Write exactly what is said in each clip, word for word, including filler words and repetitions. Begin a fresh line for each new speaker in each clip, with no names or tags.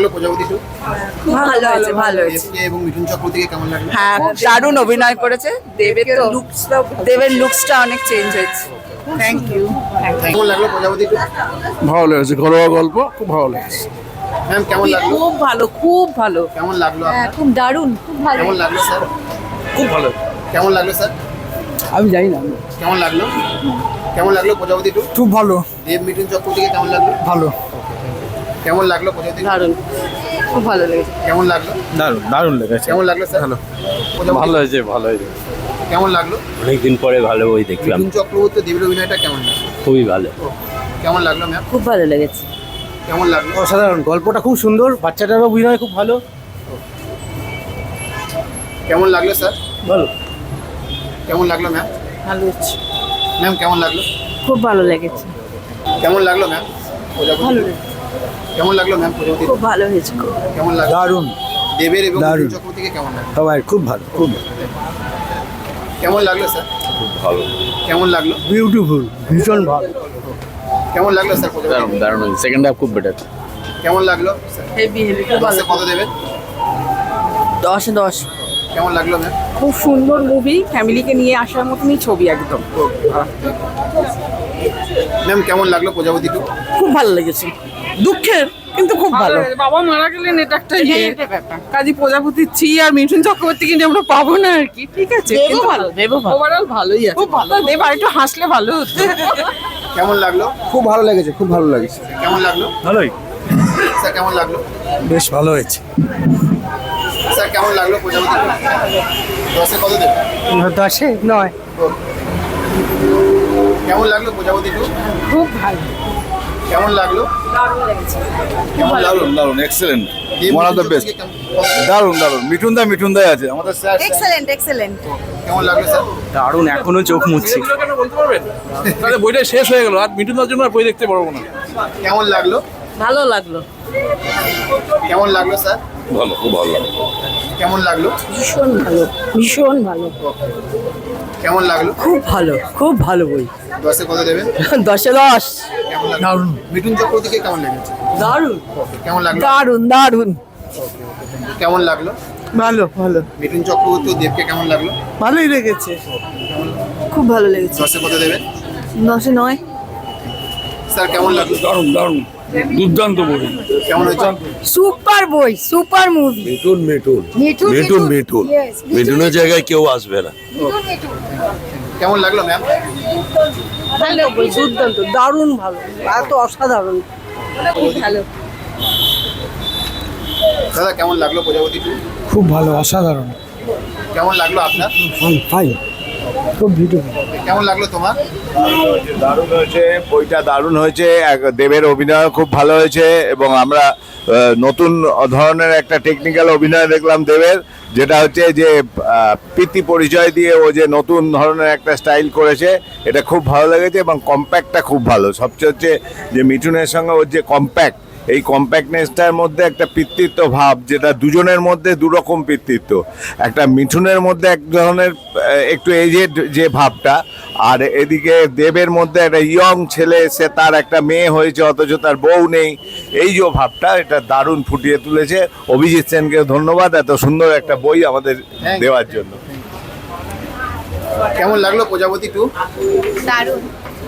লাগলো প্রজাপতি টু?
ভালো হয়েছে, ভালো হয়েছে।
দেবকে এবং মিঠুন চক্রবর্তীকে কেমন লাগলো?
হ্যাঁ, দারুণ অভিনয় করেছে। দেবের তো দেবের লুকসটা অনেক চেঞ্জ হয়েছে। Thank you.
কেমন লাগলো প্রজাপতি টু?
ভালো লেগেছে, ঘরোয়া গল্প, খুব ভালো লেগেছে।
ম্যাম কেমন লাগলো?
খুব ভালো, খুব ভালো।
কেমন লাগলো
হ্যাঁ,
আপনার?
খুব দারুণ, খুব ভালো।
কেমন লাগলো স্যার?
খুব ভালো।
কেমন লাগলো স্যার?
আমি জানি না।
কেমন লাগলো? কেমন লাগলো প্রজাপতি টু?
খুব ভালো।
দেব মিঠুন চক্রবর্তীকে কেমন লাগলো?
ভালো।
কেমন লাগলো প্রজাপতি টু?
দারুণ, খুব ভালো লেগেছে।
কেমন লাগলো?
দারুণ দারুণ লেগেছে।
কেমন লাগলো স্যার?
ভালো।
প্রজাপতি
ভালো হয়েছে, ভালো হয়েছে।
কেমন লাগলো?
অনেকদিন পরে ভালো বই দেখলাম,
মিঠুন চক্রবর্তী দেবের অভিনয়টা কেমন লাগলো?
খুবই ভালো।
কেমন লাগলো ম্যাম?
খুব ভালো লেগেছে।
কেমন লাগলো?
অসাধারণ, গল্পটা খুব সুন্দর, বাচ্চাটারও অভিনয় খুব ভালো।
কেমন লাগলো স্যার?
ভালো।
কেমন লাগলো ম্যাম?
ভালো হয়েছে।
ম্যাম কেমন লাগলো?
খুব ভালো লেগেছে।
কেমন লাগলো ম্যাম প্রজাপতি?
ভালো
কেমন লাগলো ম্যাম প্রজাপতি?
খুব ভালো হয়েছে।
কেমন লাগলো?
দারুণ।
দেবের এবং
দারুণ।
মিঠুন চক্রবর্তীকে কেমন লাগলো?
সবাই খুব ভালো, খুব
কেমন লাগলো স্যার?
খুব ভালো,
কেমন লাগলো?
বিউটিফুল, ভীষণ ভালো।
কেমন লাগলো স্যার প্রজাপতি?
দারুণ দারুণ। সেকেন্ড হাফ খুব বেটার।
কেমন লাগলো স্যার?
হেভি হেভি, খুব ভালো।
দশে কত দেবেন?
দশে দশ।
কেমন লাগলো ম্যাম?
খুব সুন্দর মুভি, ফ্যামিলিকে নিয়ে আসার মতনই ছবি একদম।
ম্যাম কেমন লাগলো প্রজাপতি টু?
খুব ভালো লেগেছে। দুঃখের কিন্তু খুব ভালো।
বাবা মারা গেলেন, এটা একটা ইয়ে কাজী প্রজাপতির ছি আর মিঠুন চক্রবর্তীকে নিয়ে আমরা পাবো না আর কি। ঠিক আছে,
দেবও ভালো, দেবও ভালো।
ওভারঅল ভালোই আছে। খুব ভালো। দেব আর একটু হাসলে ভালো হতো।
কেমন লাগলো?
খুব ভালো লেগেছে, খুব ভালো লেগেছে।
কেমন লাগলো?
ভালোই।
স্যার কেমন লাগলো?
বেশ ভালো হয়েছে।
স্যার কেমন লাগলো প্রজাপতি টু? দশে কত দেবেন?
দশে নয়।
কেমন লাগলো প্রজাপতি টু?
খুব ভালো।
কেমন লাগলো? কেমন লাগলো?
দারুন দারুন, excellent,
Dev
one of the
Mithun
best.
চক্রবর্তীকে কেমন-
দারুন দারুন, মিঠুন দা মিঠুন দাই আছে আমাদের স্যার।
Excellent, excellent.
কেমন লাগলো স্যার?
দারুণ, এখনো চোখ মুচ্ছি।
কেন বলতে পারবেন? তাহলে বইটা শেষ হয়ে গেল, আর মিঠুনদার জন্য আর বই দেখতে পারবো না।
কেমন লাগলো?
ভালো লাগলো।
কেমন লাগলো স্যার?
ভালো, খুব ভালো লাগলো।
কেমন লাগলো?
ভীষণ ভালো, ভীষণ ভালো।
কেমন লাগলো?
খুব ভালো, খুব ভালো বই।
দশে কত দেবেন?
দশে দশ।
কেমন লাগলো? মিঠুন চক্রবর্তীকে কেমন লেগেছে?
দারুণ,
কেমন লাগলো?
দারুণ, দারুণ।
কেমন লাগলো?
ভালো ভালো,
মিঠুন চক্রবর্তী ও দেবকে কেমন লাগলো?
ভালোই লেগেছে।
খুব ভালো লেগেছে।
দশে কত দেবেন?
দশে নয়।
স্যার কেমন লাগলো?
দারুণ দারুণ, দুর্দান্ত বই।
কেমন হয়েছে?
সুপার বই, সুপার মুভি।
মিঠুন মিঠুন
মিঠুন,
মিঠুন মিঠুন মিঠুনের জায়গায় কেউ আসবে না।
কেমন লাগলো ম্যাম?
ভালো বই, দুর্দান্ত, দারুণ ভালো, এত অসাধারণ। খুব ভালো।
দাদা কেমন লাগলো প্রজাপতি টু?
খুব ভালো, অসাধারণ।
কেমন লাগলো আপনার?
ফাইন, খুব বিউটিফুল।
কেমন লাগলো তোমার?
দারুণ হয়েছে, বইটা দারুণ হয়েছে। এক- দেবের অভিনয় খুব ভালো হয়েছে এবং আমরা আহ, নতুন ধরনের একটা টেকনিক্যাল অভিনয় দেখলাম দেবের, যেটা হচ্ছে যে আহ, প্রীতি পরিচয় দিয়ে ও যে নতুন ধরনের একটা স্টাইল করেছে, এটা খুব ভালো লেগেছে এবং কম্প্যাক্টটা খুব ভালো। সবচেয়ে হচ্ছে যে মিঠুনের সঙ্গে ওর যে কম্প্যাক্ট, এই কম্প্যাক্টনেসটার মধ্যে একটা পিতৃত্ব ভাব, যেটা দুজনের মধ্যে দুরকম পিতৃত্ব। একটা মিঠুনের মধ্যে এক ধরনের আহ, একটু এজেড যে ভাবটা, আর এদিকে দেবের মধ্যে একটা ইয়ং ছেলে, সে তার একটা মেয়ে হয়েছে অথচ তার বউ নেই, এই যে ভাবটা, এটা দারুণ ফুটিয়ে তুলেছে। অভিজিৎ সেনকে ধন্যবাদ এত সুন্দর একটা বই আমাদের দেওয়ার জন্য।
কেমন লাগলো প্রজাপতি টু?
দারুণ।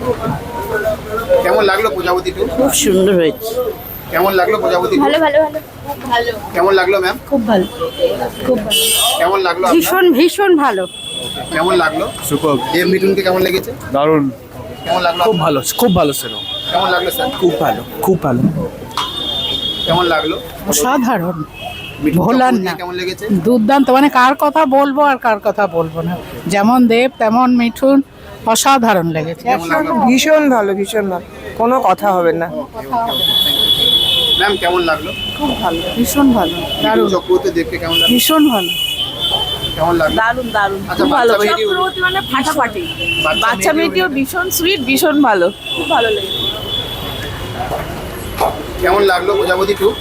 কেমন লাগলো প্রজাপতি টু?
খুব সুন্দর হয়েছে।
কেমন লাগলো প্রজাপতি টু?
ভালো, ভালো, ভালো, ভালো।
কেমন লাগলো ম্যাম?
খুব ভালো, খুব ভালো।
কেমন লাগলো আপনার?
ভীষণ, ভীষণ ভালো।
কেমন লাগলো?
সুপার,
দেব মিঠুনকে কেমন লেগেছে?
দারুণ,
কেমন লাগলো?
খুব ভালো, খুব ভালো ছিল।
কেমন লাগলো স্যার?
খুব ভালো, খুব ভালো।
কেমন লাগলো?
অসাধারণ,
মিঠুন
ভোলার
চক্রবর্তীকে
না।
কেমন লেগেছে?
দুর্দান্ত, মানে কার কথা বলবো আর কার কথা বলবো না। যেমন দেব তেমন মিঠুন, অসাধারণ লেগেছে।
কেমন লাগলো?
ভীষণ ভালো, ভীষণ ভালো, কোনো কথা হবে না।
ম্যাম কেমন লাগলো?
খুব ভালো, ভীষণ ভালো,
মিঠুন
দারুণ,
চক্রবর্তী দেবকে কেমন লাগলো?
ভীষণ ভালো।
কেমন লাগলো?
দারুণ, দারুণ,
আচ্ছা,
খুব ভালো।
বাচ্চা মেয়েটিও-
চক্রবর্তী মানে ফাটাফাটি।
বাচ্চা
বাচ্চা
মেয়েটিও
মেয়েটিও ভীষণ সুইট, ভীষণ ভালো, খুব ভালো লেগেছে।
কেমন লাগলো প্রজাপতি টু?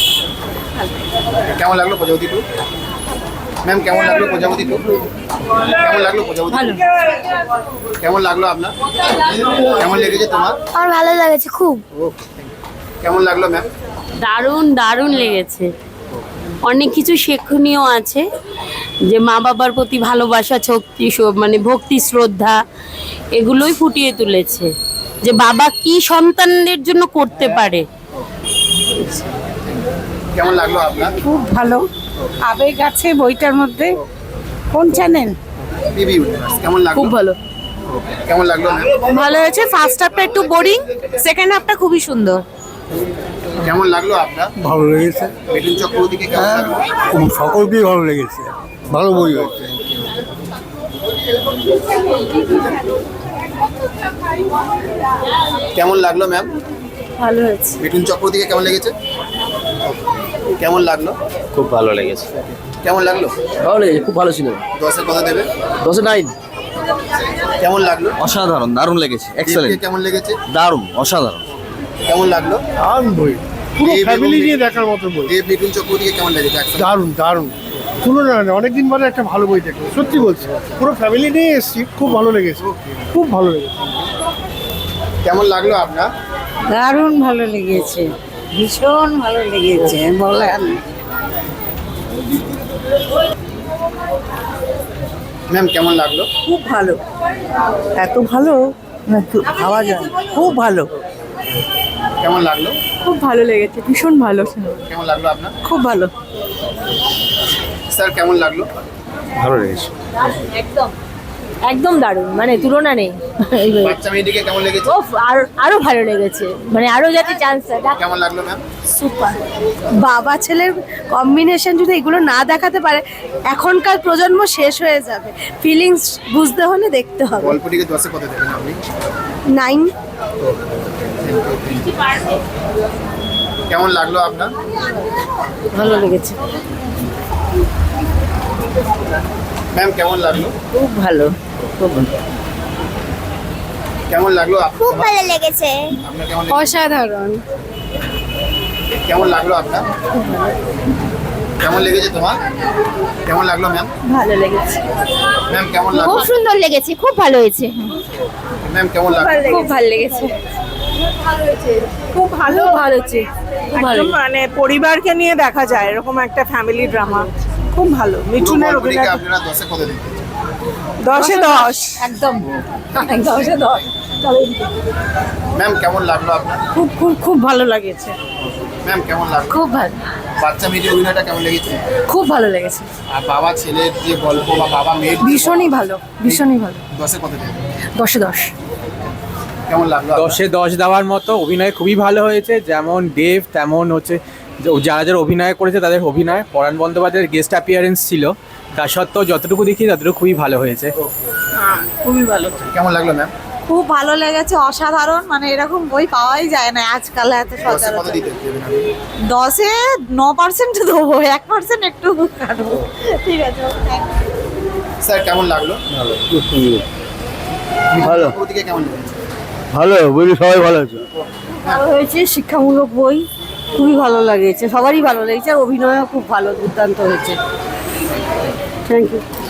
কেমন লাগলো প্রজাপতি টু? ম্যাম কেমন লাগলো প্রজাপতি টু? কেমন লাগলো প্রজাপতি টু? কেমন লাগলো আপনার? কেমন লেগেছে তোমার?
আমার ভালো লেগেছে খুব।
কেমন লাগলো ম্যাম?
দারুণ দারুণ লেগেছে। অনেক কিছু শেখনীয় আছে, যে মা বাবার প্রতি ভালোবাসা, শক্তি, স- মানে ভক্তি, শ্রদ্ধা, এগুলোই ফুটিয়ে তুলেছে, যে বাবা কি সন্তানদের জন্য করতে পারে।
কেমন লাগলো আপনার?
খুব ভালো আবেগ আছে বইটার মধ্যে। কোন চ্যানেল?
পিবি ইউনিভার্স কেমন লাগলো?
খুব ভালো,
কেমন লাগলো ম্যাম?
ভালো হয়েছে। ফার্স্ট হাফটা একটু বোরিং, সেকেন্ড হাফটা খুবই সুন্দর।
কেমন লাগলো আপনার?
ভালো লেগেছে,
মিঠুন চক্রবর্তীকে কেমন লাগলো?
সকলকেই ভালো লেগেছে, ভালো বই হয়েছে।
কেমন লাগলো ম্যাম?
ভালো হয়েছে।
মিঠুন চক্রবর্তীকে কেমন লেগেছে? কেমন লাগলো?
খুব ভালো লেগেছে।
কেমন লাগলো?
ভালো লেগেছে, খুব ভালো সিনেমা।
দশের কথা দেবে?
দশে নাইন।
কেমন লাগলো?
অসাধারণ, দারুণ লেগেছে,
দেবকে কেমন লেগেছে?
দারুণ, অসাধারণ।
কেমন লাগলো?
দারুণ বই, পুরো
দেব
ফ্যামিলি
এবং-
নিয়ে দেখার মতো বই।
দেব মিঠুন চক্রবর্তীকে কেমন লেগেছে? একসাথে?
দারুণ দারুণ, তুলনা নেই, অনেকদিন পরে একটা ভালো বই দেখলাম, সত্যি বলছি। পুরো ফ্যামিলি নিয়ে এসেছি, খুব ভালো লেগেছে, খুব ভালো লেগেছে।
কেমন লাগলো আপনার?
দারুণ ভালো লেগেছে, ভীষণ ভালো লেগেছে বলেন।
ম্যাম কেমন লাগলো?
খুব ভালো, এত ভালো ভাবা যায় না। খুব ভালো।
কেমন লাগলো?
খুব ভালো লেগেছে, ভীষণ ভালো।
কেমন লাগলো আপনার?
খুব ভালো।
স্যার কেমন লাগলো?
ভালো লেগেছে।
একদম একদম দারুণ, মানে তুলনা নেই।
বাচ্চা মেয়েটিকে কেমন লেগেছে?
ও আরো আরো ভালো লেগেছে, মানে আরো যাতে চান্স
কেমন লাগলো ম্যাম?
সুপার। বাবা ছেলের কম্বিনেশন যদি এগুলো না দেখাতে পারে, এখনকার প্রজন্ম শেষ হয়ে যাবে। ফিলিংস বুঝতে হলে দেখতে হবে।
গল্পটিকে দশে কত দেবেন আপনি?
নাইন।
কেমন লাগলো আপনার?
ভালো লেগেছে,
ম্যাম কেমন লাগলো?
খুব ভালো।
কেমন লাগলো আপনার?
খুব ভালো লেগেছে।
আপনার কেমন লেগেছে?
অসাধারণ।
কেমন লাগলো আপনার? কেমন লেগেছে তোমার? কেমন লাগলো ম্যাম?
ভালো লেগেছে,
ম্যাম কেমন লাগলো?
খুব সুন্দর লেগেছে, খুব ভালো হয়েছে।
ম্যাম কেমন লাগলো?
খুব ভালো লেগেছে,
খুব ভালো।
ভালো হচ্ছে।
একদম মানে পরিবারকে নিয়ে দেখা যায় এরকম একটা ফ্যামিলি ড্রামা। খুব ভালো। মিঠুনের
গল্পটিকে
অভিনয়
আপনারা দশে কত দেবেন?
দশে দশ।
একদম দশে দশ।
ম্যাম কেমন লাগলো আপনার?
খুব খুব খুব ভালো লেগেছে,
ম্যাম কেমন লাগলো?
খুব ভালো,
বাচ্চা মেয়েটির অভিনয়টা কেমন লেগেছে?
খুব ভালো লেগেছে।
আর বাবা ছেলের যে গল্প বা বাবা মেয়ের
ভীষণই ভালো, ভীষণই ভালো।
দশে কত দেবেন?
দশে দশ।
কেমন লাগলো আপনার?
দশে দশ দেওয়ার মতো, অভিনয় খুবই ভালো হয়েছে। যেমন দেব তেমন হচ্ছে যে- যারা যারা অভিনয় করেছে তাদের অভিনয়, পরাণ বন্দ্যোপাধ্যায়ের গেস্ট অ্যাপিয়ারেন্স ছিল, তা সত্ত্বেও যতটুকু দেখি ততটুকু খুবই ভালো হয়েছে।
খুবই ভালো।
কেমন লাগলো ম্যাম?
খুব ভালো লেগেছে, অসাধারণ। মানে এরকম বই পাওয়াই যায় না আজকাল এত
দশে কত
সচরাচর।
দিতে দেবেন আপনি?
দশে ন পার্সেন্ট দেবো, এক পার্সেন্ট একটু কাটবো। ঠিক আছে,
স্যার কেমন লাগলো?
ভালো,
ওদিকে কেমন লেগেছে?
ভালো বই, সবাই ভালো আছে।
ভালো হয়েছে, শিক্ষামূলক বই, খুবই ভালো লেগেছে, সবারই ভালো লেগেছে। আর অভিনয়ও খুব ভালো, দুর্দান্ত হয়েছে। Thank you.